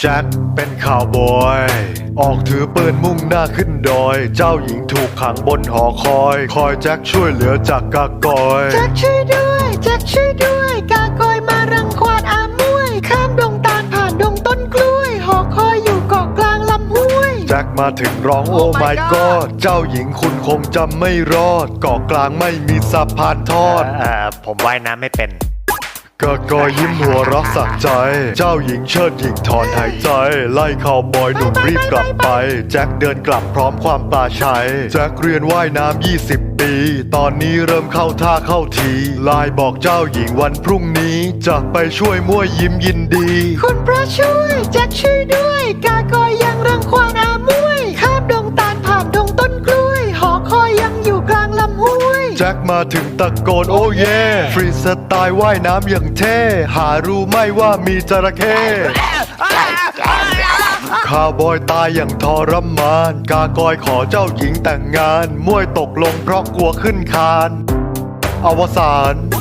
แจ็คเป็นข่าวบอยออกถือปืนมุ่งหน้าขึ้นดอยเจ้าหญิงถูกขังบนหอคอยแจ็คช่วยเหลือจากกากอยแจ็คช่วยด้วยแจ็คช่วยด้วยกากอยมารังควานอามวยข้ามดงตาลผ่านดงต้นกล้วยหอคอยอยู่เกาะกลางลำห้วยแจ็คมาถึงร้องโอ้ my god เจ้าหญิงคุณคงจำไม่รอดเกาะกลางไม่มีสะพานทอดผมว่ายน้ำไม่เป็นกากอยยิ้มหัวเรักสักใจเจ้าหญิงเชิดหญิงถอนหายใจไล่ข่าวบอยหนุ่มรีบกลับไปแจ็คเดินกลับพร้อมความปลาชัยแจ็คเรียนว่ายน้ำ20 ปีตอนนี้เริ่มเข้าท่าเข้าทีไลน์บอกเจ้าหญิงวันพรุ่งนี้จะไปช่วยมั่วยิ้มยินดีคุณพระช่วยแจ็คช่วยด้วยกากอยยังรังควานอามวยข้ามดงตาลผ่านดงต้นกล้วยหอคอยยังอยู่กลางลำห้วยแจ็คมาถึงตะโกนโอ้เย่ฟรีสไตล์ว่ายน้ำอย่างเท่หารู้ไหมว่ามีจระเข้ข้าวบอยตายอย่างทรมานกากอยขอเจ้าหญิงแต่งงานมวยตกลงเพราะกลัวขึ้นคานอวสาน